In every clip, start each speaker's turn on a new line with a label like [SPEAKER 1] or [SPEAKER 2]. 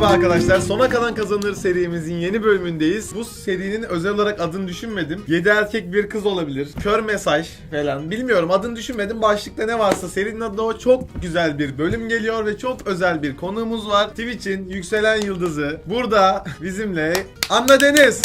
[SPEAKER 1] arkadaşlar, Sona Kalan Kazanır serimizin yeni bölümündeyiz. Bu serinin özel olarak adını düşünmedim. 7 erkek bir kız olabilir. Kör mesaj falan. Bilmiyorum, adını düşünmedim. Başlıkta ne varsa serinin adı o. Çok güzel bir bölüm geliyor ve çok özel bir konuğumuz var. Twitch'in yükselen yıldızı burada bizimle Anna Deniz.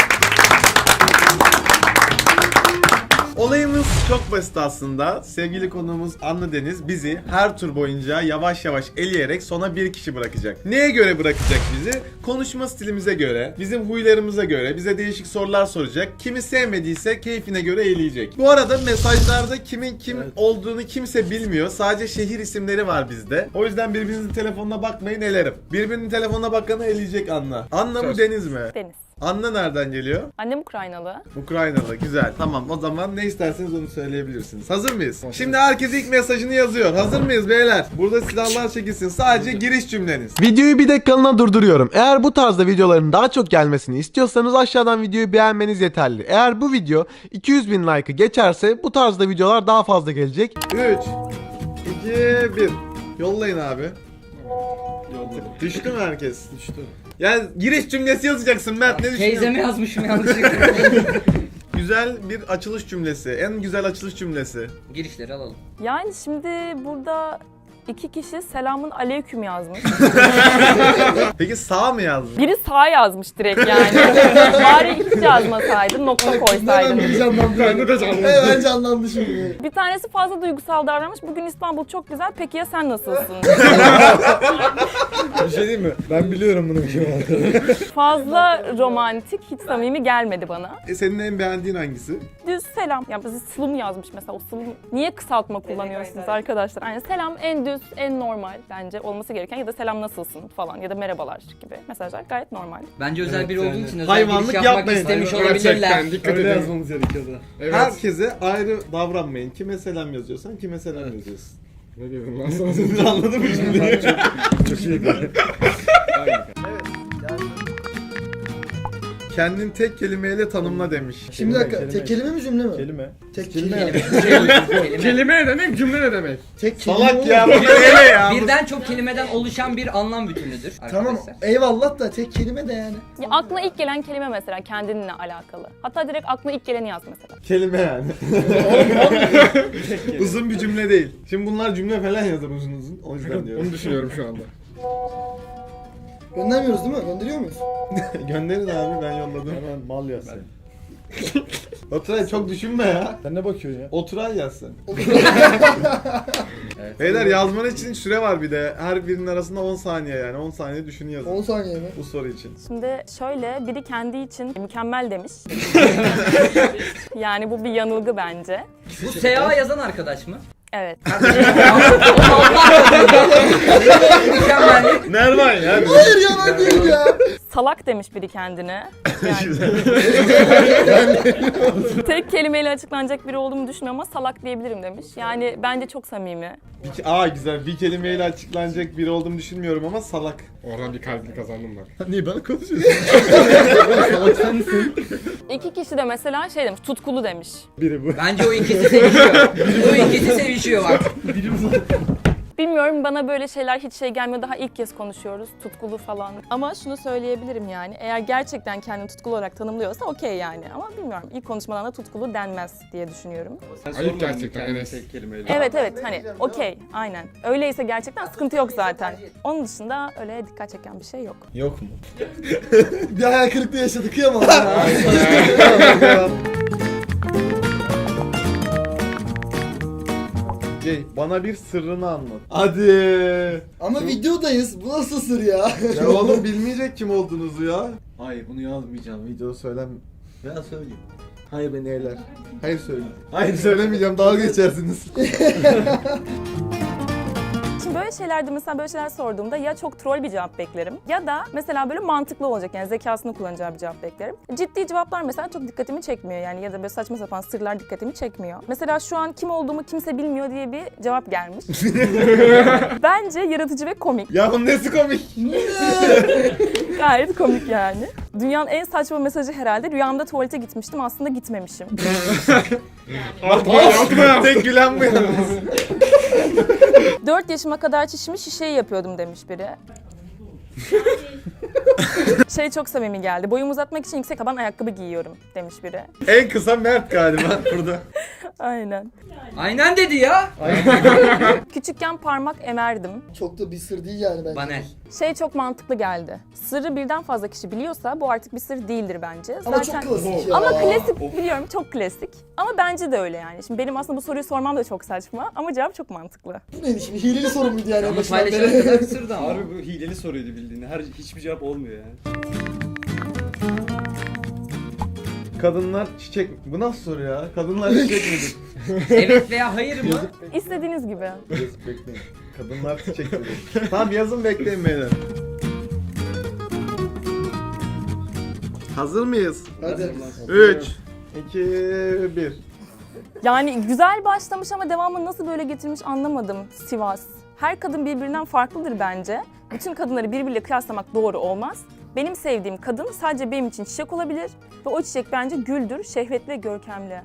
[SPEAKER 1] Olayımız çok basit aslında. Sevgili konuğumuz Anna Deniz bizi her tur boyunca yavaş yavaş eleyerek sona bir kişi bırakacak. Neye göre bırakacak bizi? Konuşma stilimize göre, bizim huylarımıza göre bize değişik sorular soracak. Kimi sevmediyse keyfine göre eleyecek. Bu arada mesajlarda kimin kim olduğunu kimse bilmiyor. Sadece şehir isimleri var bizde. O yüzden birbirinizin telefonuna bakmayın, elerim. Birbirinin telefonuna bakanı eleyecek Anna. Anna mı Deniz mi?
[SPEAKER 2] Deniz.
[SPEAKER 1] Anna nereden geliyor?
[SPEAKER 2] Annem Ukraynalı.
[SPEAKER 1] Ukraynalı, güzel. Tamam, o zaman ne isterseniz onu söyleyebilirsiniz. Hazır mıyız? Şimdi herkes ilk mesajını yazıyor. Hazır mıyız beyler? Burada silahlar çekilsin. Sadece giriş cümleniz.
[SPEAKER 3] Videoyu bir dakikalığına durduruyorum. Eğer bu tarzda videoların daha çok gelmesini istiyorsanız aşağıdan videoyu beğenmeniz yeterli. Eğer bu video 200.000 like'ı geçerse bu tarzda videolar daha fazla gelecek.
[SPEAKER 1] 3, 2, 1. Yollayın abi. Düştü mü herkes? Düştü. Yani giriş cümlesi yazacaksın Mert, ne düşünüyorsun?
[SPEAKER 4] Teyzeme yazmışım yanlışlıkla.
[SPEAKER 1] Güzel bir açılış cümlesi. En güzel açılış cümlesi.
[SPEAKER 4] Girişleri alalım.
[SPEAKER 2] Yani şimdi burada iki kişi selamun aleyküm yazmış.
[SPEAKER 1] Peki sağ mı yazdın?
[SPEAKER 2] Biri sağ yazmış direkt yani. Bari hiç yazmasaydın, nokta koysaydın.
[SPEAKER 5] Hemen canlandı şimdi.
[SPEAKER 2] Bir tanesi fazla duygusal davranmış. Bugün İstanbul çok güzel. Peki ya sen nasılsın?
[SPEAKER 5] Bir şey diyeyim mi? Ben biliyorum bunun kim olduğunu.
[SPEAKER 2] Fazla romantik, hiç samimi gelmedi bana.
[SPEAKER 1] Senin en beğendiğin hangisi?
[SPEAKER 2] Düz selam. Ya bizi slum yazmış mesela. O slum niye kısaltma kullanıyorsunuz arkadaşlar? Yani selam en düz, en normal bence olması gereken, ya da selam nasılsın falan ya da merhabalar gibi mesajlar gayet normal.
[SPEAKER 4] Bence özel biri olduğu için özel
[SPEAKER 1] Hayvanlık
[SPEAKER 4] giriş yapmak
[SPEAKER 1] yapmayın.
[SPEAKER 4] istemiş
[SPEAKER 5] Gerçekten
[SPEAKER 4] olabilirler.
[SPEAKER 5] dikkat edin. Yazmamız gerekiyordu. Evet.
[SPEAKER 1] Herkese ayrı davranmayın. Kime selam yazıyorsan kime selam yazıyorsun.
[SPEAKER 5] Ne dedim lan sana?
[SPEAKER 1] Anladın mı cümleyi?
[SPEAKER 5] Çok iyi.
[SPEAKER 1] Kendin tek kelimeyle tanımla demiş.
[SPEAKER 5] Şimdi bir dakika, tek kelime mi cümle mi?
[SPEAKER 1] Kelime.
[SPEAKER 5] Tek kelime.
[SPEAKER 4] Kelime.
[SPEAKER 6] Kelime ne demek, cümle ne demek?
[SPEAKER 5] Tek kelime.
[SPEAKER 1] Salak ya, bu
[SPEAKER 5] olur.
[SPEAKER 1] ne ya?
[SPEAKER 4] Birden çok kelimeden oluşan bir anlam bütünüdür
[SPEAKER 5] Tamam,
[SPEAKER 4] arkadaşlar.
[SPEAKER 5] eyvallah da tek kelime de yani.
[SPEAKER 2] Ya aklına ilk gelen kelime mesela kendinle alakalı. Hatta direkt aklına ilk geleni yaz mesela.
[SPEAKER 1] Kelime yani. Uzun bir cümle değil. Şimdi bunlar cümle falan yazar uzun uzun. O yüzden diyorum.
[SPEAKER 6] Onu düşünüyorum şu anda.
[SPEAKER 5] Göndermiyoruz değil mi? Gönderiyor muyuz?
[SPEAKER 1] Gönderin abi, ben yolladım.
[SPEAKER 5] Hemen mal yaz sen.
[SPEAKER 1] Oturay çok düşünme ya.
[SPEAKER 5] Sen ne bakıyorsun ya?
[SPEAKER 1] Oturay yaz sen. Beyler, yazman için süre var bir de. Her birinin arasında 10 saniye yani. 10 saniye düşün yazın
[SPEAKER 5] 10 saniye mi?
[SPEAKER 1] bu soru için.
[SPEAKER 2] Şimdi şöyle, biri kendi için mükemmel demiş. Yani bu bir yanılgı bence.
[SPEAKER 4] Bu SA yazan arkadaş mı?
[SPEAKER 2] Evet.
[SPEAKER 4] Mükemmel.
[SPEAKER 1] Nervan ya.
[SPEAKER 5] Hayır ya, ben değil ya.
[SPEAKER 2] Salak demiş biri kendine. Yani tek kelimeyle açıklanacak biri olduğumu düşünmüyorum ama salak diyebilirim demiş. Yani bence çok samimi.
[SPEAKER 1] Güzel. Bir kelimeyle açıklanacak biri olduğumu düşünmüyorum ama salak.
[SPEAKER 6] Oradan bir kalbini kazandım ben.
[SPEAKER 1] Niye ben konuşuyorsun?
[SPEAKER 2] İki kişi de mesela şey demiş, tutkulu demiş.
[SPEAKER 1] Biri bu.
[SPEAKER 4] Bence o ikisi sevişiyor. Bu ikisi sevişiyor bak.
[SPEAKER 2] Bilmiyorum, bana böyle şeyler hiç şey gelmiyor. Daha ilk kez konuşuyoruz, tutkulu falan. Ama şunu söyleyebilirim yani, eğer gerçekten kendini tutkulu olarak tanımlıyorsa okey yani. Ama bilmiyorum, ilk konuşmadan da tutkulu denmez diye düşünüyorum.
[SPEAKER 6] Ayıp gerçekten Enes.
[SPEAKER 2] Evet hani okey, aynen. Öyleyse gerçekten sıkıntı yok zaten. Onun dışında öyle dikkat çeken bir şey yok.
[SPEAKER 1] Yok mu?
[SPEAKER 5] Bir hayal kırıklığı yaşadık, kıyamam.
[SPEAKER 1] Bana bir sırrını anlat. Hadi.
[SPEAKER 5] Ama videodayız, bu nasıl sır ya?
[SPEAKER 1] Ya oğlum, bilmeyecek kim olduğunuzu ya. Hayır, bunu yazmayacağım. Videoda söylem. Ben söyleyeyim. Hayır, beni eğler. Hayır, söyle. Hayır, söylemeyeceğim. Dalga geçersiniz.
[SPEAKER 2] Şimdi böyle şeylerde mesela böyle şeyler sorduğumda ya çok troll bir cevap beklerim ya da mesela böyle mantıklı olacak, yani zekasını kullanacağı bir cevap beklerim. Ciddi cevaplar mesela çok dikkatimi çekmiyor yani, ya da böyle saçma sapan sırlar dikkatimi çekmiyor. Mesela şu an kim olduğumu kimse bilmiyor diye bir cevap gelmiş. Bence yaratıcı ve komik.
[SPEAKER 1] Ya bunun nesi komik?
[SPEAKER 2] Gayet komik yani. Dünyanın en saçma mesajı herhalde. Rüyamda tuvalete gitmiştim, aslında gitmemişim.
[SPEAKER 1] Tek gülen bu yalnız.
[SPEAKER 2] 4 yaşıma kadar çişimi şişeyi yapıyordum demiş biri. Şey çok samimi geldi. Boyumu uzatmak için yüksek taban ayakkabı giyiyorum demiş biri.
[SPEAKER 1] En kısa Mert galiba burada.
[SPEAKER 2] Aynen.
[SPEAKER 4] Aynen dedi ya.
[SPEAKER 2] Küçükken parmak emerdim.
[SPEAKER 5] Çok da bir sır değil yani bence.
[SPEAKER 4] Banel.
[SPEAKER 2] Şey çok mantıklı geldi. Sırrı birden fazla kişi biliyorsa bu artık bir sır değildir bence.
[SPEAKER 5] Ama çok klasik ya.
[SPEAKER 2] Ama klasik biliyorum, çok klasik. Ama bence de öyle yani. Şimdi benim aslında bu soruyu sormam da çok saçma ama cevap çok mantıklı.
[SPEAKER 5] Bu neydi şimdi? Hileli soru muydu yani? en
[SPEAKER 4] Ama
[SPEAKER 5] başından
[SPEAKER 4] paylaşana
[SPEAKER 5] beri?
[SPEAKER 4] kadar sırdı ama.
[SPEAKER 7] Harbi bu hileli soruydu bildiğin. Hiçbir cevap olmuyor yani.
[SPEAKER 1] Kadınlar çiçek... Bu nasıl soru ya? Kadınlar çiçek midir?
[SPEAKER 4] Evet veya hayır mı?
[SPEAKER 2] İstediğiniz gibi.
[SPEAKER 1] Yazıp bekleyin. Kadınlar çiçek midir? Tamam yazın bekleyin beyler. Hazır mıyız?
[SPEAKER 5] Hadi.
[SPEAKER 1] 3, 2, 1.
[SPEAKER 2] Yani güzel başlamış ama devamını nasıl böyle getirmiş anlamadım Sivas. Her kadın birbirinden farklıdır bence. Bütün kadınları birbiriyle kıyaslamak doğru olmaz. Benim sevdiğim kadın sadece benim için çiçek olabilir ve o çiçek bence güldür, şehvetli ve görkemli.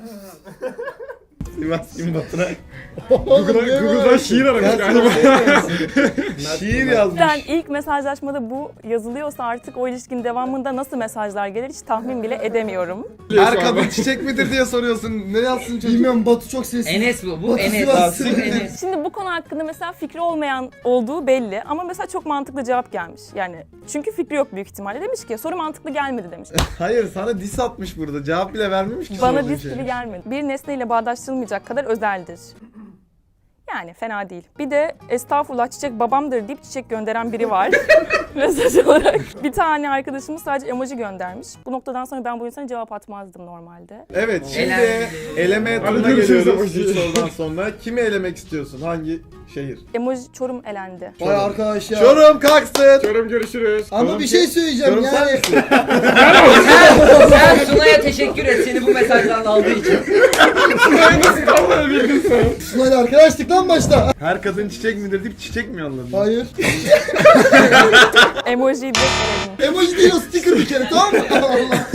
[SPEAKER 1] Sivas kim Baturay?
[SPEAKER 6] Google'dan şiir aramış galiba.
[SPEAKER 1] Şiir yazmış.
[SPEAKER 2] Yani ilk mesajlaşmada bu yazılıyorsa artık o ilişkinin devamında nasıl mesajlar gelir hiç tahmin bile edemiyorum.
[SPEAKER 1] Her kadın çiçek midir diye soruyorsun. Ne yazsın çocuk?
[SPEAKER 5] Bilmiyorum, Batu çok sessiz.
[SPEAKER 4] Enes bu. Bu
[SPEAKER 5] Batu
[SPEAKER 4] Enes.
[SPEAKER 5] Sivas.
[SPEAKER 4] Bu Enes.
[SPEAKER 2] Şimdi bu konu hakkında mesela fikri olmayan olduğu belli ama mesela çok mantıklı cevap gelmiş. Yani çünkü fikri yok büyük ihtimalle. Demiş ki soru mantıklı gelmedi demiş.
[SPEAKER 1] Hayır sana diss atmış burada. Cevap bile vermemiş ki.
[SPEAKER 2] Bana
[SPEAKER 1] sorduğun
[SPEAKER 2] diss
[SPEAKER 1] şeye.
[SPEAKER 2] gibi gelmedi. Bir nesneyle bağdaştırılmayacak kadar özeldir. Yani fena değil. Bir de estağfurullah çiçek babamdır deyip çiçek gönderen biri var. Mesaj olarak. Bir tane arkadaşımız sadece emoji göndermiş. Bu noktadan sonra ben bu insana cevap atmazdım normalde.
[SPEAKER 1] Evet şimdi
[SPEAKER 4] Elendi.
[SPEAKER 1] eleme
[SPEAKER 6] Hadi
[SPEAKER 1] turuna
[SPEAKER 6] görüşürüz
[SPEAKER 1] geliyoruz
[SPEAKER 6] emoji.
[SPEAKER 1] 3 sorudan sonra. Kimi elemek istiyorsun? Hangi şehir?
[SPEAKER 2] Emoji Çorum elendi.
[SPEAKER 5] Vay arkadaş ya.
[SPEAKER 1] Çorum kalksın.
[SPEAKER 6] Çorum görüşürüz.
[SPEAKER 5] Ama bir şey söyleyeceğim
[SPEAKER 1] Çorum sen
[SPEAKER 5] yani.
[SPEAKER 1] misin?
[SPEAKER 4] Sen Sunay'a teşekkür et seni bu mesajdan aldığı için.
[SPEAKER 6] Vallahi bildin sen.
[SPEAKER 5] Sunay'la arkadaştık lan başta.
[SPEAKER 1] Her kadın çiçek midir deyip çiçek mi yolladın?
[SPEAKER 5] Hayır.
[SPEAKER 2] Emojiyi de eledim.
[SPEAKER 5] Emoji değil o, sticker bir kere, tamam mı? Allah.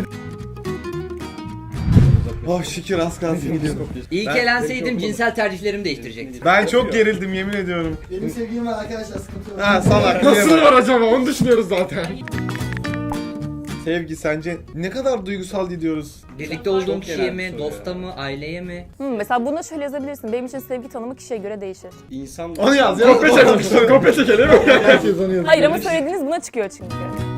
[SPEAKER 1] Oh şükür az kalsın gidiyordum.
[SPEAKER 4] İyi ki elenseydim cinsel tercihlerimi değiştirecektim.
[SPEAKER 1] Ben çok gerildim yemin ediyorum.
[SPEAKER 5] Benim sevgilim var arkadaşlar, sıkıntı yok.
[SPEAKER 1] Ha salak.
[SPEAKER 6] Nasıl var acaba onu düşünüyoruz zaten.
[SPEAKER 1] Sevgi sence ne kadar duygusal gidiyoruz?
[SPEAKER 4] Birlikte olduğum
[SPEAKER 7] Çok
[SPEAKER 4] kişiye
[SPEAKER 7] genel
[SPEAKER 4] mi,
[SPEAKER 7] soru
[SPEAKER 4] dosta mı, aileye mi?
[SPEAKER 2] Mesela buna şöyle yazabilirsin. Benim için sevgi tanımı kişiye göre değişir.
[SPEAKER 7] İnsan
[SPEAKER 1] Onu yaz ya.
[SPEAKER 6] Kopya çekelim. Kopya çekelim.
[SPEAKER 5] Herkes onu yazıyor.
[SPEAKER 2] Hayır ama söylediğiniz buna çıkıyor çünkü.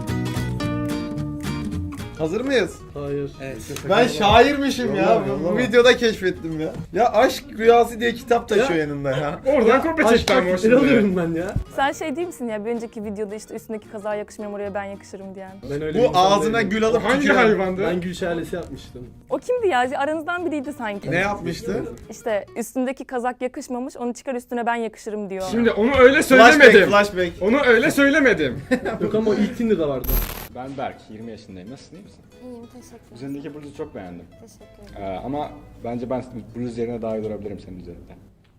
[SPEAKER 1] Hazır mıyız?
[SPEAKER 7] Hayır.
[SPEAKER 4] Evet.
[SPEAKER 1] Ben şairmişim ya.
[SPEAKER 5] Yollama,
[SPEAKER 1] Bu
[SPEAKER 5] yollama.
[SPEAKER 1] videoda keşfettim ya. Ya Aşk Rüyası diye kitap taşıyor yanında ya.
[SPEAKER 6] Oradan kopya çekti ama o şimdi.
[SPEAKER 7] alıyorum ben ya.
[SPEAKER 2] Sen şey değil misin ya bir önceki videoda işte üstündeki kaza yakışmıyor oraya ben yakışırım diyen.
[SPEAKER 7] Ben öyle
[SPEAKER 1] Bu ağzına gül alıp
[SPEAKER 6] Hangi
[SPEAKER 1] tüküren-
[SPEAKER 6] hayvandı?
[SPEAKER 7] Ben gül şelalesi yapmıştım.
[SPEAKER 2] O kimdi ya? Aranızdan biriydi sanki.
[SPEAKER 1] Ne yapmıştı?
[SPEAKER 2] İşte üstündeki kazak yakışmamış onu çıkar üstüne ben yakışırım diyor.
[SPEAKER 6] Şimdi onu öyle
[SPEAKER 1] Flashback,
[SPEAKER 6] söylemedim.
[SPEAKER 1] flashback.
[SPEAKER 6] Onu öyle söylemedim.
[SPEAKER 7] Yok ama o ilk Tinder'da vardı.
[SPEAKER 8] Ben Berk, 20 yaşındayım. Nasılsın, iyi misin?
[SPEAKER 9] İyiyim, teşekkür
[SPEAKER 8] Üzerindeki bluzu çok beğendim.
[SPEAKER 9] Teşekkür ederim.
[SPEAKER 8] Ama bence ben bluz yerine daha iyi durabilirim senin üzerinde.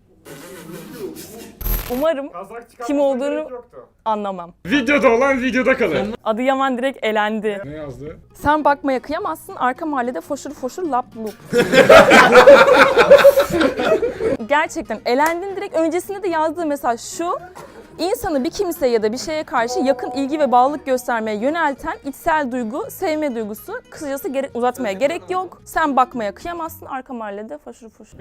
[SPEAKER 2] Umarım kim olduğunu anlamam.
[SPEAKER 6] Videoda olan videoda kalır.
[SPEAKER 2] Adıyaman direkt elendi.
[SPEAKER 6] Ne yazdı?
[SPEAKER 2] Sen bakmaya kıyamazsın arka mahallede foşur foşur lap lup. Gerçekten elendin direkt öncesinde de yazdığı mesaj şu. İnsanı bir kimseye ya da bir şeye karşı yakın ilgi ve bağlılık göstermeye yönelten içsel duygu, sevme duygusu. Kısacası uzatmaya gerek yok. Sen bakmaya kıyamazsın arka mahallede foşur foşur.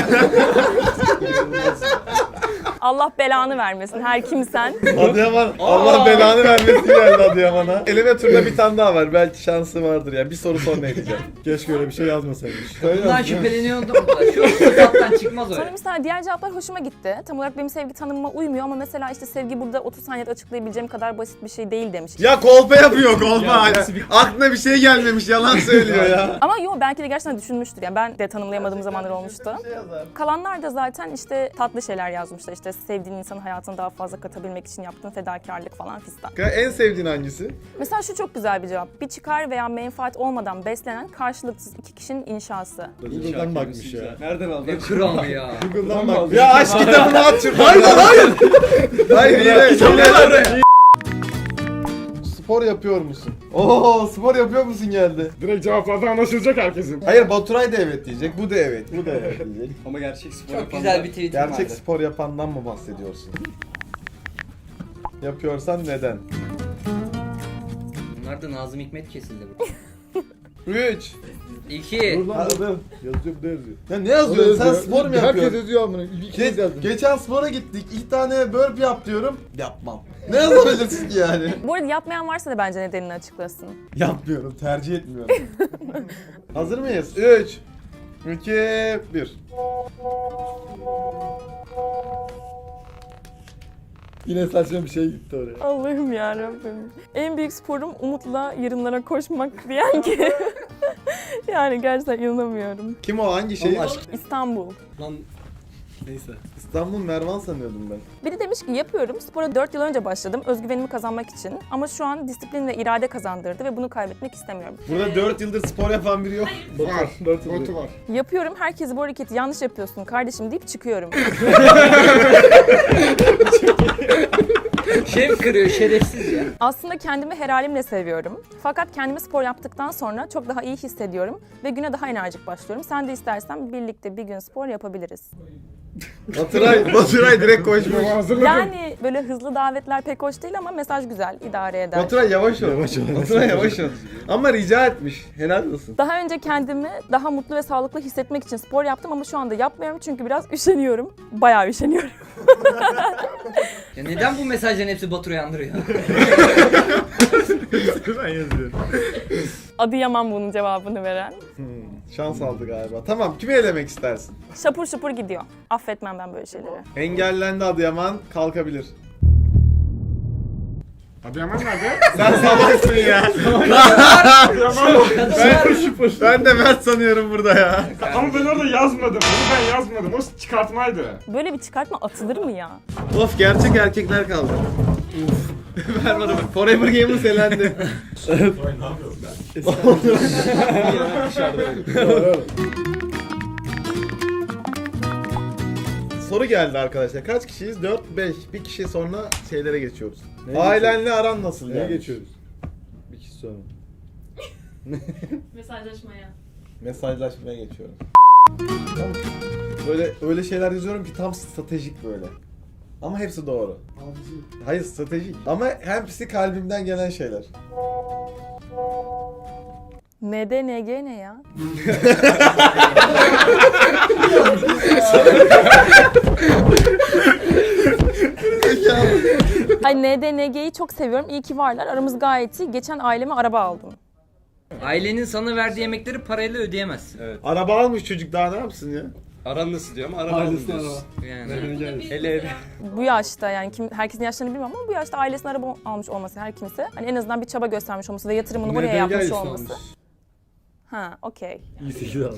[SPEAKER 2] Allah belanı vermesin her kimsen.
[SPEAKER 1] Adıyaman, Allah belanı vermesin geldi Adıyaman'a. Eleme turunda bir tane daha var. Belki şansı vardır ya. Bir soru sonra edeceğim. Keşke öyle bir şey yazmasaymış.
[SPEAKER 4] Bundan şüpheleniyordum da. Şu sıfattan çıkmaz o.
[SPEAKER 2] Sonra mesela diğer cevaplar hoşuma gitti. Tam olarak benim sevgi tanımıma uymuyor ama mesela işte sevgi burada 30 saniyede açıklayabileceğim kadar basit bir şey değil demiş.
[SPEAKER 1] Ya kolpa yapıyor kolpa. Aklına bir şey gelmemiş yalan söylüyor ya.
[SPEAKER 2] Ama yo belki de gerçekten düşünmüştür. Yani ben de tanımlayamadığım zamanlar olmuştu. Kalanlar da zaten işte tatlı şeyler yazmışlar. İşte sevdiğin insanın hayatına daha fazla katabilmek için yaptığın fedakarlık falan fistan.
[SPEAKER 1] En sevdiğin hangisi?
[SPEAKER 2] Mesela şu çok güzel bir cevap. Bir çıkar veya menfaat olmadan beslenen karşılıksız iki kişinin inşası.
[SPEAKER 1] Google'dan bakmış ya.
[SPEAKER 7] Nereden aldın?
[SPEAKER 4] Ne kral ya.
[SPEAKER 1] Google'dan bak. Ya aşk kitabını aç şuradan. Hayır. Hayır yine. Spor yapıyor musun? Oo spor yapıyor musun geldi.
[SPEAKER 6] Direkt cevaplardan anlaşılacak herkesin.
[SPEAKER 1] Hayır Baturay da evet diyecek. Bu da evet. Bu da evet diyecek.
[SPEAKER 7] Ama gerçek spor
[SPEAKER 4] Çok
[SPEAKER 7] yapanlar-
[SPEAKER 4] güzel bir tweet
[SPEAKER 1] Gerçek
[SPEAKER 4] vardı.
[SPEAKER 1] spor yapandan mı bahsediyorsun? Yapıyorsan neden?
[SPEAKER 4] Bunlar da Nazım Hikmet kesildi burada.
[SPEAKER 1] 3.
[SPEAKER 4] 2.
[SPEAKER 1] Yazıyor bu da yazıyor. Ya ne yazıyorsun? Sen spor mu
[SPEAKER 5] Herkes
[SPEAKER 1] yapıyorsun?
[SPEAKER 5] yazıyor amına. Bir kez yazdım.
[SPEAKER 1] Geçen spora gittik. 2 tane burp yap diyorum. Yapmam. Ne yazabilirsin ki yani?
[SPEAKER 2] Bu arada yapmayan varsa da bence nedenini açıklasın.
[SPEAKER 1] Yapmıyorum. Tercih etmiyorum. Hazır mıyız? 3 2 1.
[SPEAKER 5] Yine saçma bir şey gitti oraya.
[SPEAKER 2] Allah'ım yarabbim. En büyük sporum Umut'la yarınlara koşmak diyen ki. Yani gerçekten inanamıyorum.
[SPEAKER 1] Kim o? Hangi şey?
[SPEAKER 2] İstanbul.
[SPEAKER 7] Lan neyse.
[SPEAKER 1] İstanbul Mervan sanıyordum ben.
[SPEAKER 2] Biri demiş ki yapıyorum. Spora 4 yıl önce başladım. Özgüvenimi kazanmak için. Ama şu an disiplin ve irade kazandırdı ve bunu kaybetmek istemiyorum.
[SPEAKER 1] Burada 4 yıldır spor yapan biri yok.
[SPEAKER 6] Var. Botu var.
[SPEAKER 2] Yapıyorum. Herkes bu hareketi yanlış yapıyorsun kardeşim deyip çıkıyorum.
[SPEAKER 4] Şef kırıyor şerefsiz ya.
[SPEAKER 2] Aslında kendimi her halimle seviyorum. Fakat kendimi spor yaptıktan sonra çok daha iyi hissediyorum ve güne daha enerjik başlıyorum. Sen de istersen birlikte bir gün spor yapabiliriz.
[SPEAKER 1] Baturay direkt koşmuş.
[SPEAKER 6] Hazırladım.
[SPEAKER 2] Yani böyle hızlı davetler pek hoş değil ama mesaj güzel, idare eder.
[SPEAKER 1] Baturay yavaş ol. Baturay yavaş ol. Ama rica etmiş. Helal olsun.
[SPEAKER 2] Daha önce kendimi daha mutlu ve sağlıklı hissetmek için spor yaptım ama şu anda yapmıyorum çünkü biraz üşeniyorum. Bayağı üşeniyorum.
[SPEAKER 4] Ya neden bu mesajların hepsi Batur'u yandırıyor?
[SPEAKER 1] Ben yazıyorum.
[SPEAKER 2] Adıyaman bunun cevabını veren.
[SPEAKER 1] Şans aldı galiba. Tamam, kimi elemek istersin?
[SPEAKER 2] Şapur şupur gidiyor. Affetmem ben böyle şeyleri.
[SPEAKER 1] Engellendi Adıyaman, kalkabilir.
[SPEAKER 6] Adıyaman nerede?
[SPEAKER 1] Sen salaksın ya. Ben de Mert sanıyorum burada ya.
[SPEAKER 6] Ama ben orada yazmadım. Onu ben yazmadım. O çıkartmaydı.
[SPEAKER 2] Böyle bir çıkartma atılır mı ya?
[SPEAKER 1] Of, gerçek erkekler kaldı. Ver bana bak. Forever Gamers elendi. Soru geldi arkadaşlar. Kaç kişiyiz? 4, 5. Bir kişi sonra şeylere geçiyoruz. Ailenle aran nasıl
[SPEAKER 5] Neye
[SPEAKER 1] yani?
[SPEAKER 5] geçiyoruz? Bir kişi sonra.
[SPEAKER 2] Mesajlaşmaya.
[SPEAKER 1] Mesajlaşmaya geçiyoruz. Böyle öyle şeyler yazıyorum ki tam stratejik böyle. Ama hepsi doğru. Hayır, stratejik. Ama hepsi kalbimden gelen şeyler.
[SPEAKER 2] NDNG ne ya? Ay NDNG'yi çok seviyorum. İyi ki varlar. Aramız gayet iyi. Geçen aileme araba aldım.
[SPEAKER 4] Ailenin sana verdiği yemekleri parayla ödeyemezsin.
[SPEAKER 1] Araba almış çocuk, daha ne yapsın ya?
[SPEAKER 7] Aran nasıl diyor ama araba
[SPEAKER 5] Ailesine
[SPEAKER 7] alın
[SPEAKER 5] araba.
[SPEAKER 4] Yani.
[SPEAKER 7] Ele.
[SPEAKER 2] Bu yaşta yani herkesin yaşlarını bilmem ama bu yaşta ailesine araba almış olması her kimse. Hani en azından bir çaba göstermiş olması ve yatırımını buraya yapmış olması. Ha, okey.
[SPEAKER 5] İyi 8 aldım.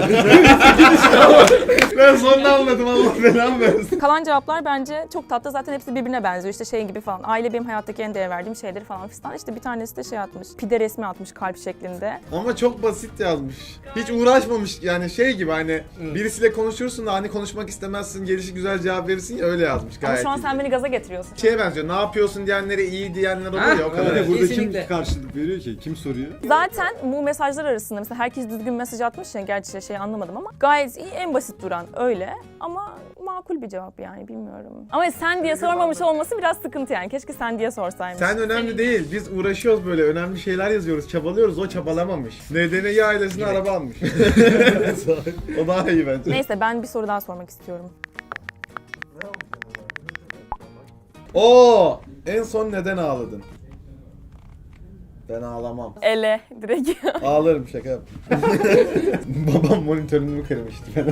[SPEAKER 1] Ben sonunu anladım, Allah belamı versin.
[SPEAKER 2] Kalan cevaplar bence çok tatlı. Zaten hepsi birbirine benziyor. İşte şey gibi falan. Aile benim hayattaki en değer verdiğim şeyleri falan fistan. İşte bir tanesi de şey atmış. Pide resmi atmış kalp şeklinde.
[SPEAKER 1] Ama çok basit yazmış. Hiç uğraşmamış yani, şey gibi hani birisiyle konuşursun da hani konuşmak istemezsin, gelişi güzel cevap verirsin ya, öyle yazmış
[SPEAKER 2] Ama
[SPEAKER 1] gayet
[SPEAKER 2] şu an
[SPEAKER 1] iyi.
[SPEAKER 2] sen beni gaza getiriyorsun.
[SPEAKER 1] Şeye benziyor, ne yapıyorsun diyenlere iyi diyenler oluyor ya, o kadar.
[SPEAKER 4] evet.
[SPEAKER 5] Burada
[SPEAKER 4] Kesinlikle.
[SPEAKER 5] kim karşılık veriyor ki? Kim soruyor?
[SPEAKER 2] Zaten bu mesajlar arasında mesela herkes düzgün mesaj atmış ya, gerçi şey anlamadım ama gayet iyi, en basit duran öyle ama makul bir cevap yani, bilmiyorum. Ama sen diye sormamış olması biraz sıkıntı yani, keşke sen diye sorsaymış.
[SPEAKER 1] Sen önemli değil, biz uğraşıyoruz böyle, önemli şeyler yazıyoruz, çabalıyoruz, o çabalamamış. NDNG ailesine araba almış. O daha iyi bence.
[SPEAKER 2] Neyse, ben bir soru daha sormak istiyorum.
[SPEAKER 1] Oo, en son neden ağladın? Ben ağlamam.
[SPEAKER 2] Ele direkt.
[SPEAKER 1] Ağlarım, şaka yap. Babam monitörünü kırmıştı falan.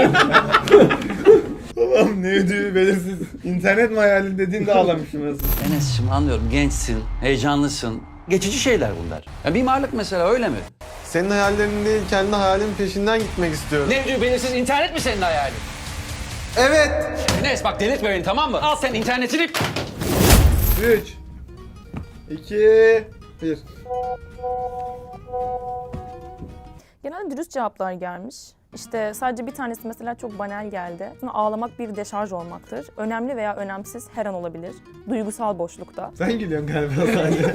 [SPEAKER 1] Babam ne ödüğü belirsiz. İnternet mi hayalin dediğinde ağlamışım aslında.
[SPEAKER 9] Enes'cim anlıyorum, gençsin, heyecanlısın. Geçici şeyler bunlar. Ya mimarlık mesela öyle mi?
[SPEAKER 3] Senin hayallerin değil, kendi hayalin peşinden gitmek istiyorum.
[SPEAKER 9] Ne diyor, belirsiz internet mi senin hayalin?
[SPEAKER 3] Evet.
[SPEAKER 9] Enes bak, delirtme beni, tamam mı? Al sen internetini.
[SPEAKER 1] 3 2 1.
[SPEAKER 2] Genelde dürüst cevaplar gelmiş. İşte sadece bir tanesi mesela çok banal geldi. Sonra ağlamak bir deşarj olmaktır. Önemli veya önemsiz her an olabilir. Duygusal boşlukta.
[SPEAKER 1] Sen gülüyorsun galiba sadece.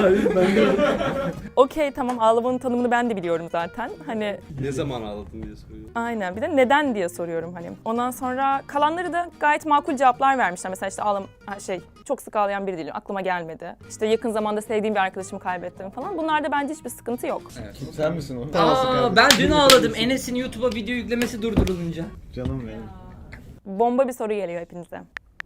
[SPEAKER 2] Okey tamam, ağlamanın tanımını ben de biliyorum zaten. Hani
[SPEAKER 7] Ne zaman ağladın diye soruyor.
[SPEAKER 2] aynen, bir de neden diye soruyorum hani. Ondan sonra kalanları da gayet makul cevaplar vermişler. Mesela işte çok sık ağlayan biri değilim, aklıma gelmedi. İşte yakın zamanda sevdiğim bir arkadaşımı kaybettim falan. Bunlarda bence hiçbir sıkıntı yok.
[SPEAKER 5] Sen misin o?
[SPEAKER 4] Ben dün ağladım Enes'in YouTube'a video yüklemesi durdurulunca.
[SPEAKER 1] Canım benim.
[SPEAKER 2] Bomba bir soru geliyor hepinize.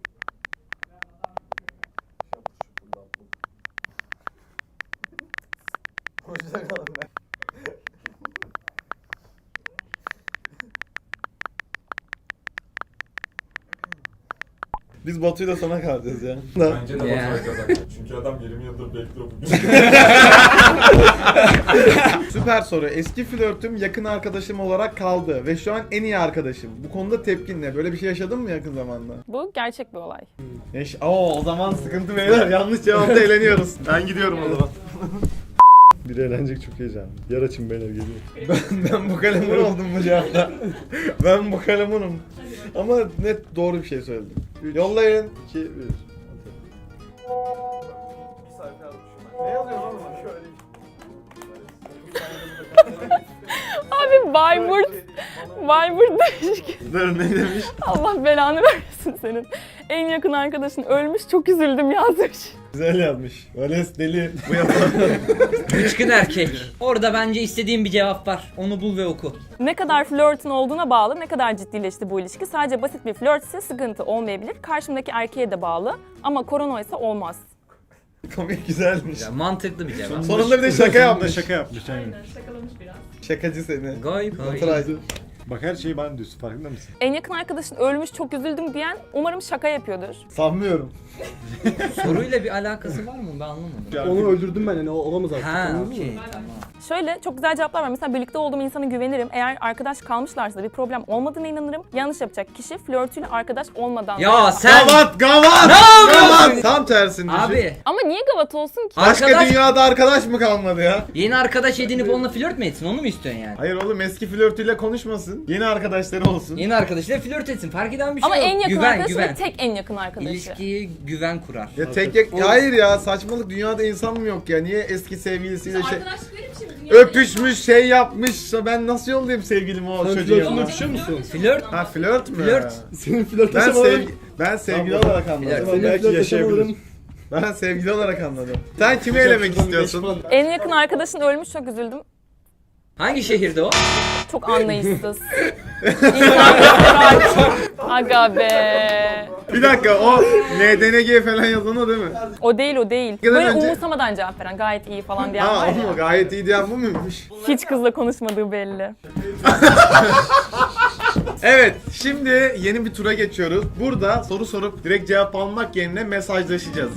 [SPEAKER 1] Biz Batu'yla sana kalacağız ya.
[SPEAKER 6] Bence de
[SPEAKER 4] Ya.
[SPEAKER 6] Baturay kazanacak. Çünkü adam 20 yıldır bekliyor bugün.
[SPEAKER 1] Süper soru. Eski flörtüm yakın arkadaşım olarak kaldı ve şu an en iyi arkadaşım. Bu konuda tepkin ne? Böyle bir şey yaşadın mı yakın zamanda?
[SPEAKER 2] Bu gerçek bir olay.
[SPEAKER 1] O zaman sıkıntı beyler. Yanlış cevapta eğleniyoruz. Ben gidiyorum o zaman.
[SPEAKER 5] Biri eğlenecek, çok heyecanlı. Yer açın beyler, geliyor.
[SPEAKER 1] Ben bu kalemun oldum bu cevapta. Ben bu kalemunum. Ama net doğru bir şey söyledim. Yollayın.
[SPEAKER 5] 2, 1.
[SPEAKER 1] Ne yazıyor lan? Şöyle.
[SPEAKER 2] Abi Bayburt demiş ki
[SPEAKER 1] Dur, ne demiş?
[SPEAKER 2] Allah belanı vermesin senin. En yakın arkadaşın ölmüş, çok üzüldüm yazmış.
[SPEAKER 1] Güzel yazmış. Vales deli. Bu yapalım.
[SPEAKER 4] Bıçkın erkek. Orada bence istediğim bir cevap var. Onu bul ve oku.
[SPEAKER 2] Ne kadar flörtün olduğuna bağlı, ne kadar ciddileşti bu ilişki. Sadece basit bir flört ise sıkıntı olmayabilir. Karşımdaki erkeğe de bağlı ama korona ise olmaz.
[SPEAKER 1] Komik güzelmiş.
[SPEAKER 4] Ya, mantıklı bir cevap.
[SPEAKER 1] Sonunda bir de şaka yaptı. Şaka yaptı.
[SPEAKER 2] Şakalamış biraz.
[SPEAKER 1] Şakacı seni.
[SPEAKER 4] Gayip.
[SPEAKER 1] Baturay.
[SPEAKER 5] Bak her şeyi bana diyorsun, farkında mısın?
[SPEAKER 2] En yakın arkadaşın ölmüş, çok üzüldüm diyen umarım şaka yapıyordur.
[SPEAKER 1] Sanmıyorum.
[SPEAKER 4] Soruyla bir alakası var mı? Ben anlamadım.
[SPEAKER 5] Onu öldürdüm ben, yani o olamaz artık.
[SPEAKER 4] Ha,
[SPEAKER 5] anladın mı?
[SPEAKER 4] okey, tamam.
[SPEAKER 2] Şöyle çok güzel cevaplar var. Mesela birlikte olduğum insana güvenirim. Eğer arkadaş kalmışlarsa da bir problem olmadığına inanırım. Yanlış yapacak kişi flörtüyle arkadaş olmadan...
[SPEAKER 4] Ya sen...
[SPEAKER 1] Gavat! Gavat!
[SPEAKER 4] Ne yapıyorsun?
[SPEAKER 1] Gavat! Tam tersini düşün.
[SPEAKER 4] Abi,
[SPEAKER 2] Ama niye gavat olsun ki?
[SPEAKER 1] Başka
[SPEAKER 4] arkadaş-
[SPEAKER 1] dünyada arkadaş mı kalmadı ya?
[SPEAKER 4] yeni arkadaş edinip onunla flört mü etsin? Onu mu istiyorsun yani?
[SPEAKER 1] Hayır oğlum, eski flörtüyle konuşmasın. Yeni arkadaşları olsun.
[SPEAKER 4] Yeni arkadaşıyla flört etsin. Fark eden bir şey
[SPEAKER 2] Ama
[SPEAKER 4] yok.
[SPEAKER 2] en yakın
[SPEAKER 4] güven,
[SPEAKER 2] arkadaşı
[SPEAKER 4] güven.
[SPEAKER 2] ve tek en yakın arkadaşı.
[SPEAKER 4] İlişkiye güven kurar.
[SPEAKER 1] Ya hayır ya, saçmalık, dünyada insan mı yok ya? Niye eski sevgilisiyle
[SPEAKER 2] Arkadaşlık verir şimdi.
[SPEAKER 1] öpüşmüş, şey yapmış. Ben nasıl yollayayım sevgilimi o çocuğa?
[SPEAKER 5] Flörtünle öpüşüyor musun?
[SPEAKER 4] Flört.
[SPEAKER 1] Ha, flört mü?
[SPEAKER 4] Flört.
[SPEAKER 5] Senin flört
[SPEAKER 1] Ben sevgili
[SPEAKER 5] Tamam.
[SPEAKER 1] olarak anladım.
[SPEAKER 4] Flört.
[SPEAKER 5] belki yaşayabilir.
[SPEAKER 1] Ben sevgili olarak anladım. Sen kimi elemek istiyorsun?
[SPEAKER 2] En yakın arkadaşın ölmüş, çok üzüldüm.
[SPEAKER 4] Hangi şehirde o?
[SPEAKER 2] Çok anlayışsız. İnsan Aga be.
[SPEAKER 1] Bir dakika, o NDNG falan yazan o değil mi?
[SPEAKER 2] O değil.
[SPEAKER 1] Giden
[SPEAKER 2] Böyle
[SPEAKER 1] önce-
[SPEAKER 2] umursamadan cevap veren, gayet iyi falan diyen
[SPEAKER 1] Ha,
[SPEAKER 2] var
[SPEAKER 1] o
[SPEAKER 2] ya.
[SPEAKER 1] mu? Gayet iyi diyen bu muymuş?
[SPEAKER 2] Hiç kızla konuşmadığı belli.
[SPEAKER 1] Evet, şimdi yeni bir tura geçiyoruz. Burada soru sorup direkt cevap almak yerine mesajlaşacağız.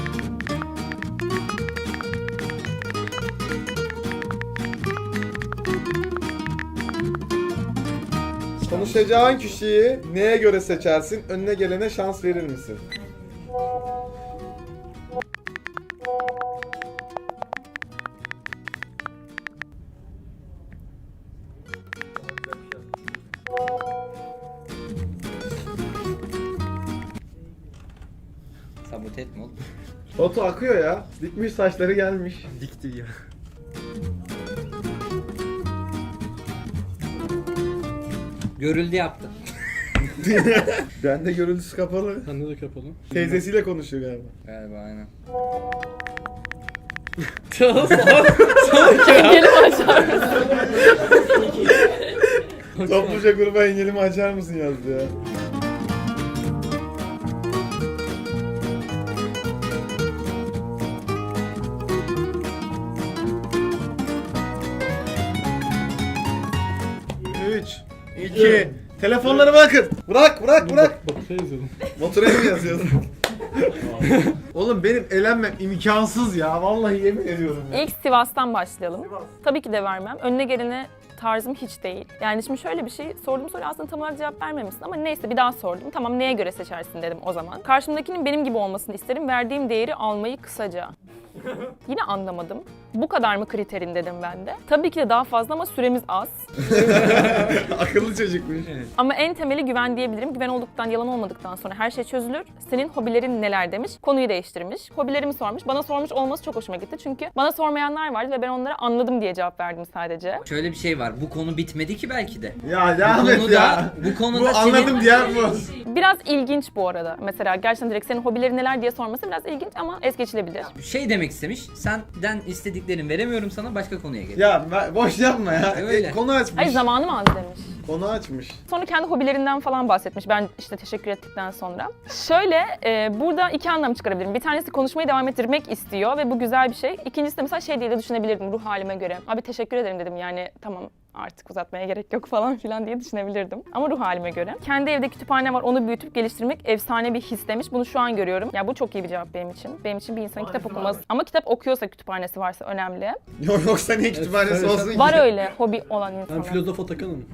[SPEAKER 1] Konuşacağın kişiyi neye göre seçersin? Önüne gelene şans verir misin?
[SPEAKER 4] Sabote etme oğlum.
[SPEAKER 1] Batu akıyor ya. Dikmiş, saçları gelmiş.
[SPEAKER 7] Dikti ya.
[SPEAKER 4] Görüldü yaptı.
[SPEAKER 1] Bende görüntüsü kapalı.
[SPEAKER 5] Sende de kapalı.
[SPEAKER 1] Teyzesiyle konuşuyor galiba.
[SPEAKER 4] Galiba aynen.
[SPEAKER 2] Gelip açar mısın?
[SPEAKER 1] Topluca gruba engelimi açar mısın yazdı ya. Üç, iki, telefonları bırakın. Bırak.
[SPEAKER 5] Bak şey yazıyordum.
[SPEAKER 1] Motora mı yazıyordun? Oğlum benim elenmem imkansız ya. Vallahi yemin ediyorum ya.
[SPEAKER 2] İlk Sivas'tan başlayalım. Tabii ki de vermem. Önüne gelene tarzım hiç değil. Yani şimdi şöyle bir şey, sorduğum soruya aslında tam olarak cevap vermemişsin ama neyse bir daha sordum. Tamam, neye göre seçersin dedim o zaman. Karşımdakinin benim gibi olmasını isterim. Verdiğim değeri almayı kısaca. Yine anlamadım. Bu kadar mı kriterin dedim ben de. Tabii ki de daha fazla ama süremiz az.
[SPEAKER 1] Akıllı çocukmuş.
[SPEAKER 2] Ama en temeli güven diyebilirim. Güven olduktan, yalan olmadıktan sonra her şey çözülür. Senin hobilerin neler demiş. Konuyu değiştirmiş. Hobilerimi sormuş. Bana sormuş olması çok hoşuma gitti. Çünkü bana sormayanlar vardı ve ben onlara anladım diye cevap verdim sadece.
[SPEAKER 4] Şöyle bir şey var. Bu konu bitmedi ki belki de.
[SPEAKER 1] Ya devam et ya.
[SPEAKER 4] Bu konuda
[SPEAKER 1] Bu anladım diyen bu.
[SPEAKER 2] Biraz ilginç bu arada. Mesela gerçekten direkt senin hobilerin neler diye sorması biraz ilginç ama es geçilebilir.
[SPEAKER 4] şey demek istemiş. Senden istediklerini veremiyorum sana, başka konuya gel.
[SPEAKER 1] Ya boş yapma ya.
[SPEAKER 4] Öyle.
[SPEAKER 1] Konu açmış.
[SPEAKER 2] Ay zamanım az demiş.
[SPEAKER 1] Konu açmış.
[SPEAKER 2] Sonra kendi hobilerinden falan bahsetmiş. Ben işte teşekkür ettikten sonra. Şöyle burada iki anlam çıkarabilirim. Bir tanesi konuşmayı devam ettirmek istiyor ve bu güzel bir şey. İkincisi de mesela şey diye de düşünebilirdim ruh halime göre. Abi teşekkür ederim dedim yani tamam artık uzatmaya gerek yok falan filan diye düşünebilirdim. Ama ruh halime göre. Kendi evde kütüphane var, onu büyütüp geliştirmek efsane bir his demiş. Bunu şu an görüyorum. Ya bu çok iyi bir cevap benim için. Benim için bir insanın kitap okuması. Ama kitap okuyorsa kütüphanesi varsa önemli.
[SPEAKER 1] Yoksa niye kütüphanesi olsun ki?
[SPEAKER 2] Var öyle hobi olan insanlar.
[SPEAKER 8] filozof Atakan'ım.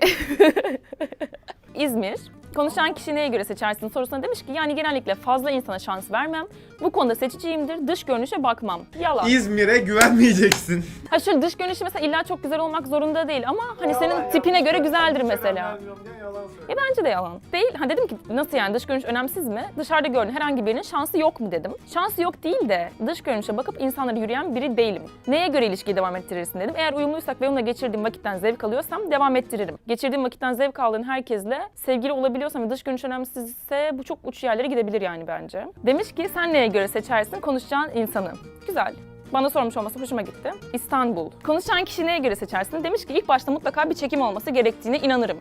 [SPEAKER 2] İzmir. Konuşan kişi neye göre seçersin sorusuna demiş ki yani genellikle fazla insana şans vermem. Bu konuda seçiciyimdir. Dış görünüşe bakmam. Yalan.
[SPEAKER 1] İzmir'e güvenmeyeceksin.
[SPEAKER 2] Ha şöyle dış görünüşü mesela illa çok güzel olmak zorunda değil ama hani senin tipine göre güzeldir mesela. Ya bence de yalan. Değil. Ha dedim ki nasıl yani dış görünüş önemsiz mi? Dışarıda gördüğün herhangi birinin şansı yok mu dedim. Şansı yok değil de dış görünüşe bakıp insanlara yürüyen biri değilim. Neye göre ilişkiyi devam ettirirsin dedim. Eğer uyumluysak ve onunla geçirdiğim vakitten zevk alıyorsam devam ettiririm. Geçirdiğim vakitten zevk aldığın herkesle sevgili olabiliyorsam ve dış görünüş önemsizse bu çok uç yerlere gidebilir yani bence. Demiş ki sen neye göre seçersin konuşacağın insanı. Güzel. Bana sormuş olması hoşuma gitti. İstanbul. Konuşan kişi neye göre seçersin? Demiş ki ilk başta mutlaka bir çekim olması gerektiğine inanırım.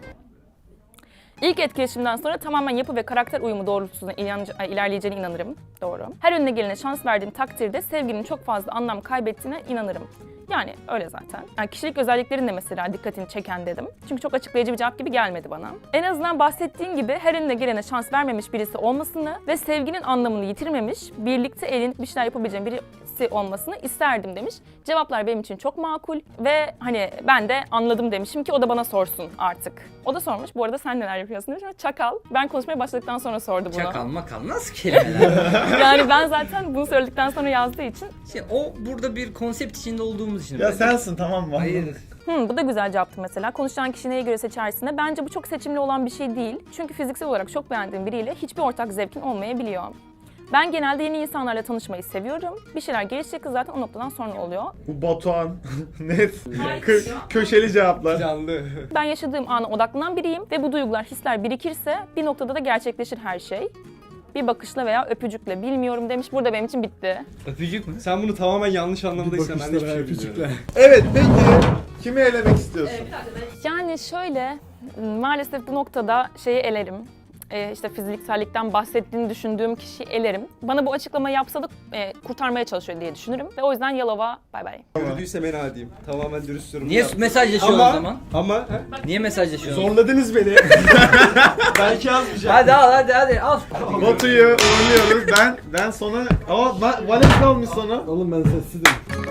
[SPEAKER 2] İlk etkileşimden sonra tamamen yapı ve karakter uyumu doğrultusunda ilerleyeceğine inanırım. Doğru. Her önüne gelene şans verdiğin takdirde sevginin çok fazla anlam kaybettiğine inanırım. Yani öyle zaten. Yani kişilik özelliklerin de mesela dikkatini çeken dedim. Çünkü çok açıklayıcı bir cevap gibi gelmedi bana. En azından bahsettiğin gibi her önüne gelene şans vermemiş birisi olmasını ve sevginin anlamını yitirmemiş, birlikte eğlenip bir şeyler yapabileceğim birisi olmasını isterdim demiş. Cevaplar benim için çok makul ve hani ben de anladım demişim ki o da bana sorsun artık. O da sormuş. Bu arada sen neler yapıyorsun demiş ama çakal. Ben konuşmaya başladıktan sonra sordu bunu.
[SPEAKER 4] Çakal makal nasıl kelimeler?
[SPEAKER 2] Yani ben zaten bunu söyledikten sonra yazdığı için.
[SPEAKER 4] O burada bir konsept içinde olduğumuz için.
[SPEAKER 1] Ya sensin tamam mı?
[SPEAKER 4] Hayır.
[SPEAKER 2] Bu da güzel cevaptı mesela. Konuşan kişi neye göre seçersin de bence bu çok seçimli olan bir şey değil. Çünkü fiziksel olarak çok beğendiğim biriyle hiçbir ortak zevkin olmayabiliyor. Ben genelde yeni insanlarla tanışmayı seviyorum. Bir şeyler gelişecek zaten o noktadan sonra oluyor.
[SPEAKER 1] Bu Batuhan. Net. Köşeli cevaplar.
[SPEAKER 8] Canlı.
[SPEAKER 2] Ben yaşadığım ana odaklanan biriyim ve bu duygular, hisler birikirse bir noktada da gerçekleşir her şey. Bir bakışla veya öpücükle bilmiyorum demiş. Burada benim için bitti.
[SPEAKER 7] Öpücük mü? Sen bunu tamamen yanlış anlamdaysan ben de hiçbir şey bilmiyorum.
[SPEAKER 1] Evet peki. Kimi elemek istiyorsun?
[SPEAKER 2] Yani şöyle maalesef bu noktada şeyi elerim. İşte fiziksellikten bahsettiğini düşündüğüm kişiyi elerim. Bana bu açıklamayı yapsa da kurtarmaya çalışıyor diye düşünürüm. Ve o yüzden Yalova bay bay.
[SPEAKER 7] Yürüdüyse ben adiyim. Tamamen dürüst yorum.
[SPEAKER 4] Niye mesajlaşıyorsun o zaman?
[SPEAKER 7] Ama
[SPEAKER 4] Niye mesajlaşıyorsun?
[SPEAKER 7] zorladınız beni. Belki yazmayacağım.
[SPEAKER 4] Hadi al.
[SPEAKER 1] Batu'yu uğurluyoruz. Ben sona... Ama Valet kalmış sona.
[SPEAKER 8] Oğlum ben sessizim.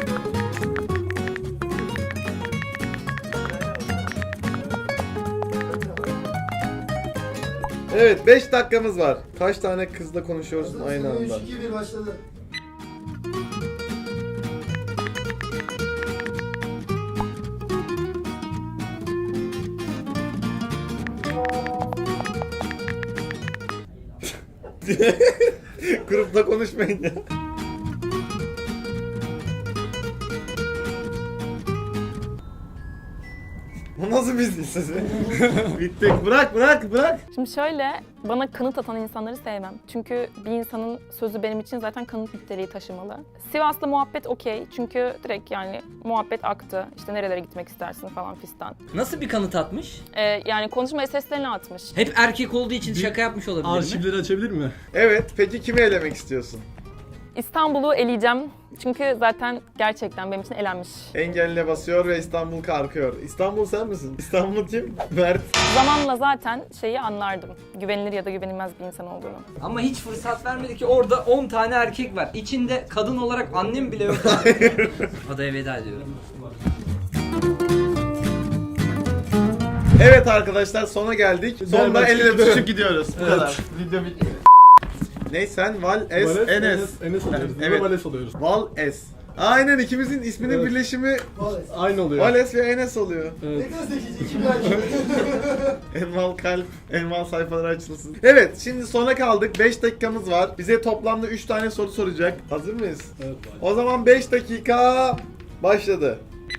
[SPEAKER 1] Evet 5 dakikamız var. Kaç tane kızla konuşuyorsun aynı anda?
[SPEAKER 8] 3-2-1 başladı.
[SPEAKER 1] Grupta konuşmayın ya. Bu nasıl bir sesi? Bittik. Bırak.
[SPEAKER 2] Şimdi şöyle, bana kanıt atan insanları sevmem. Çünkü bir insanın sözü benim için zaten kanıt niteliği taşımalı. Sivas'la muhabbet okey. Çünkü direkt yani muhabbet aktı. İşte nerelere gitmek istersin falan fistan.
[SPEAKER 4] Nasıl bir kanıt atmış?
[SPEAKER 2] Yani konuşma seslerini atmış.
[SPEAKER 4] Hep erkek olduğu için şaka yapmış olabilir mi?
[SPEAKER 8] Arşivleri açabilir mi?
[SPEAKER 1] Evet, peki kimi elemek istiyorsun?
[SPEAKER 2] İstanbul'u eleyeceğim. Çünkü zaten gerçekten benim için elenmiş.
[SPEAKER 1] Engeline basıyor ve İstanbul kalkıyor. İstanbul sen misin? İstanbul kim? Mert.
[SPEAKER 2] Zamanla zaten şeyi anlardım. Güvenilir ya da güvenilmez bir insan olduğunu.
[SPEAKER 4] Ama hiç fırsat vermedi ki orada 10 tane erkek var. İçinde kadın olarak annem bile yok. Adaya veda ediyorum.
[SPEAKER 1] Evet arkadaşlar sona geldik. Sonunda
[SPEAKER 8] Berbat.
[SPEAKER 1] el ele tutuşup gidiyoruz. Bu kadar. Video bitti. Ne sen? Val Es Enes.
[SPEAKER 5] Enes alıyoruz.
[SPEAKER 1] Evet.
[SPEAKER 5] Evet. Vales alıyoruz.
[SPEAKER 1] Val Es. Aynen ikimizin isminin
[SPEAKER 5] Evet.
[SPEAKER 1] birleşimi
[SPEAKER 5] Aynı oluyor.
[SPEAKER 1] Vales ve Enes oluyor.
[SPEAKER 5] Evet.
[SPEAKER 1] Enval kalp, enval sayfaları açılsın. Evet, şimdi sona kaldık. 5 dakikamız var. Bize toplamda 3 tane soru soracak. Hazır mıyız?
[SPEAKER 5] Evet.
[SPEAKER 1] O zaman 5 dakika başladı.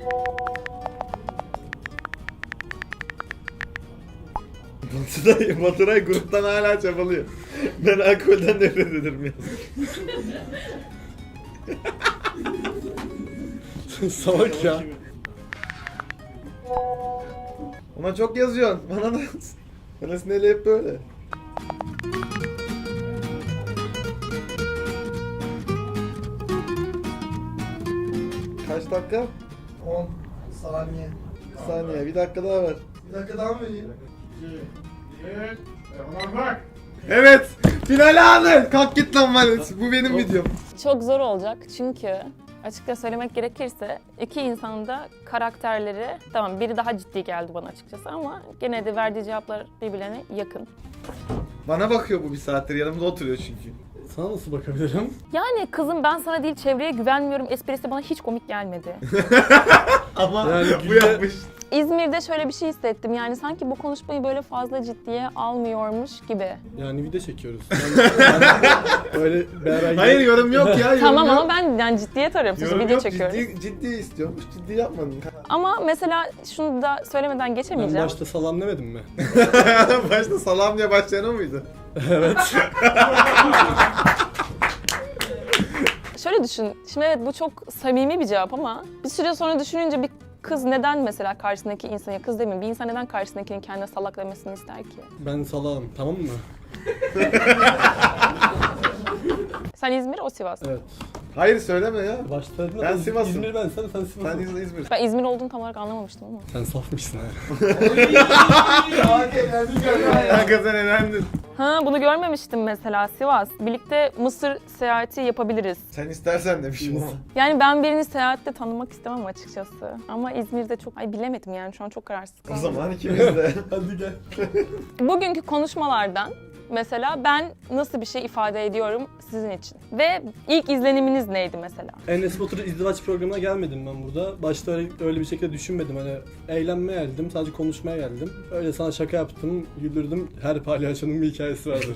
[SPEAKER 1] Baturay gruptan hala çabalıyor. Ben alkolden nefret ederim ya.
[SPEAKER 5] Salak ya.
[SPEAKER 1] Ama çok yazıyorsun. Bana sinirli hep böyle. Kaç dakika?
[SPEAKER 3] 10 saniye.
[SPEAKER 1] Bir saniye. Bir dakika daha var.
[SPEAKER 3] Bir dakika daha mı vereyim?
[SPEAKER 6] Tamam bak.
[SPEAKER 1] Evet. Final anı. Kalk git lan Vales. Bu benim videom.
[SPEAKER 2] Çok zor olacak çünkü açıkça söylemek gerekirse iki insanın da karakterleri, tamam biri daha ciddi geldi bana açıkçası ama gene de verdiği cevaplar birbirlerine yakın.
[SPEAKER 1] Bana bakıyor bu bir saattir. Yanımda oturuyor çünkü.
[SPEAKER 5] Sana nasıl bakabilirim?
[SPEAKER 2] Yani kızım ben sana değil çevreye güvenmiyorum esprisi bana hiç komik gelmedi.
[SPEAKER 1] Ama
[SPEAKER 5] Yani
[SPEAKER 1] bu yapmış.
[SPEAKER 2] İzmir'de şöyle bir şey hissettim yani sanki bu konuşmayı böyle fazla ciddiye almıyormuş gibi.
[SPEAKER 5] Yani video çekiyoruz. Öyle beraber...
[SPEAKER 1] Hayır yorum yok ya. Yorum
[SPEAKER 2] Tamam
[SPEAKER 1] yok.
[SPEAKER 2] ama ben yani ciddiye tarıyorum sonuçta
[SPEAKER 1] Yorum
[SPEAKER 2] video
[SPEAKER 1] yok.
[SPEAKER 2] çekiyoruz.
[SPEAKER 1] Ciddi istiyormuş. Ciddi yapmadım.
[SPEAKER 2] Ama mesela şunu da söylemeden
[SPEAKER 5] Ben
[SPEAKER 2] geçemeyeceğim.
[SPEAKER 5] başta salam demedim mi?
[SPEAKER 1] Başta salam diye başlayan o muydu?
[SPEAKER 5] Evet.
[SPEAKER 2] Şöyle düşün, şimdi evet bu çok samimi bir cevap ama bir süre sonra düşününce bir kız neden mesela karşısındaki insana, kız demeyeyim, bir insan neden karşısındakinin kendine salak demesini ister ki?
[SPEAKER 5] Ben salağım, tamam mı?
[SPEAKER 2] Sen İzmir, o Sivas.
[SPEAKER 5] Evet.
[SPEAKER 1] Hayır söyleme ya.
[SPEAKER 5] Başta dedim
[SPEAKER 1] Ben Sivas'ım.
[SPEAKER 5] İzmir ben, sen
[SPEAKER 1] Sen
[SPEAKER 5] Sivas'ın.
[SPEAKER 1] İzmir.
[SPEAKER 2] Ben İzmir olduğunu tam olarak anlamamıştım ama.
[SPEAKER 5] Sen safmışsın ha.
[SPEAKER 1] Kanka sen elendin.
[SPEAKER 2] Ha bunu görmemiştim mesela Sivas. Birlikte Mısır seyahati yapabiliriz.
[SPEAKER 1] Sen istersen demişim ama.
[SPEAKER 2] Yani ben birini seyahatte tanımak istemem açıkçası. Ama İzmir'de çok, ay bilemedim yani şu an çok kararsız
[SPEAKER 1] O
[SPEAKER 2] kaldım.
[SPEAKER 1] zaman ikimiz de.
[SPEAKER 5] Hadi gel.
[SPEAKER 2] Bugünkü konuşmalardan mesela ben nasıl bir şey ifade ediyorum sizin için? Ve ilk izleniminiz neydi mesela?
[SPEAKER 5] Enes Batur'un izdivaç programına gelmedim ben burada. Başta öyle bir şekilde düşünmedim. Hani eğlenmeye geldim, sadece konuşmaya geldim. Öyle sana şaka yaptım, güldürdüm. Her palyaçonun bir hikayesi vardır.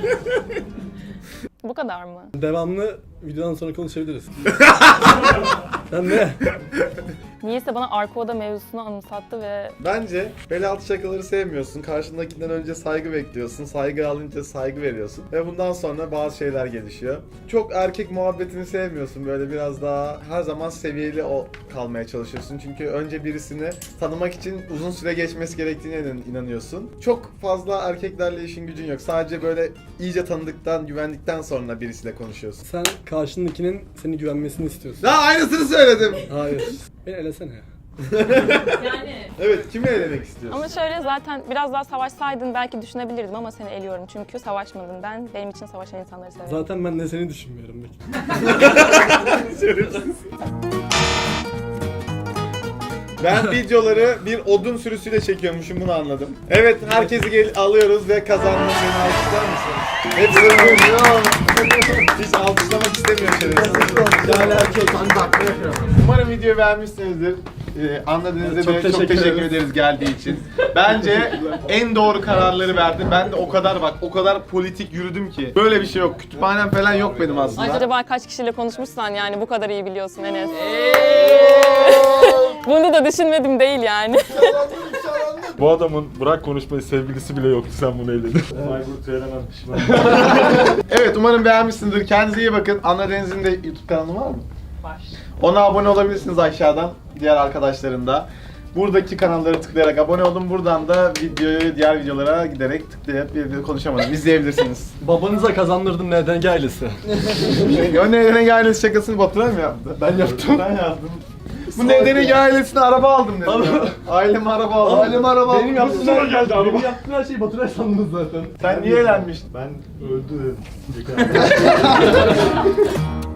[SPEAKER 2] Bu kadar mı?
[SPEAKER 5] Devamlı videodan sonra konuşabiliriz. Sen ne?
[SPEAKER 2] Niyeyse bana arka oda mevzusunu anımsattı ve
[SPEAKER 1] Bence bel altı şakaları sevmiyorsun. Karşındakinden önce saygı bekliyorsun. Saygı alınca saygı veriyorsun. Ve bundan sonra bazı şeyler gelişiyor. Çok erkek muhabbetini sevmiyorsun. Böyle biraz daha her zaman seviyeli kalmaya çalışıyorsun. Çünkü önce birisini tanımak için uzun süre geçmesi gerektiğine inanıyorsun. Çok fazla erkeklerle işin gücün yok. Sadece böyle iyice tanıdıktan, güvendikten sonra birisiyle konuşuyorsun.
[SPEAKER 5] Sen karşındakinin seni güvenmesini istiyorsun.
[SPEAKER 1] Daha aynısını söyledim.
[SPEAKER 5] Hayır. Beni elesene.
[SPEAKER 2] yani
[SPEAKER 1] Evet, kimi elemek istiyorsun?
[SPEAKER 2] ama şöyle zaten biraz daha savaşsaydın belki düşünebilirdim ama seni eliyorum çünkü savaşmadın. Ben benim için savaşan insanları severim.
[SPEAKER 5] Zaten ben de seni düşünmüyorum.
[SPEAKER 1] Ben videoları bir odun sürüsüyle çekiyormuşum, bunu anladım. Evet, herkesi alıyoruz ve kazandım. Beni alkışlar mısın? Hepsi hiç alkışlamak istemiyor şerefsiz. Umarım videoyu beğenmişsinizdir. Anladığınızda
[SPEAKER 5] Çok
[SPEAKER 1] çok
[SPEAKER 5] teşekkür
[SPEAKER 1] teşekkür
[SPEAKER 5] ederiz.
[SPEAKER 1] ederiz geldiği için. Bence en doğru kararları verdim. Ben de o kadar politik yürüdüm ki. Böyle bir şey yok. Kütüphanem falan yok benim
[SPEAKER 2] Ay,
[SPEAKER 1] aslında.
[SPEAKER 2] acaba kaç kişiyle konuşmuşsan yani bu kadar iyi biliyorsun Enes. Bunu da düşünmedim değil yani.
[SPEAKER 6] Bu adamın bırak konuşmayı sevgilisi bile yoktu, sen bunu eledin. Aykut söylememiş.
[SPEAKER 1] Evet, umarım beğenmişsinizdir. Kendinize iyi bakın. Anna Deniz'in de YouTube kanalı var mı?
[SPEAKER 2] Var.
[SPEAKER 1] Ona abone olabilirsiniz aşağıdan. Diğer arkadaşların da. Buradaki kanalları tıklayarak abone olun. Buradan da diğer videolara giderek tıklayıp konuşamadım. İzleyebilirsiniz.
[SPEAKER 5] Babanıza kazandırdım neden ailesi.
[SPEAKER 1] O nedene ailesi şakasını Baturay mı yaptı?
[SPEAKER 5] Ben yaptım.
[SPEAKER 1] Ben yaptım. Bu nedene ailesine araba aldım dedim ya. Aileme araba aldım. Aileme araba aldım.
[SPEAKER 5] Benim yaptığım
[SPEAKER 6] Sonra geldi araba.
[SPEAKER 5] Benim yaptığım her şeyi Baturay sandınız zaten.
[SPEAKER 1] Sen niye eğlenmiştin?
[SPEAKER 6] Ben öldü dedim.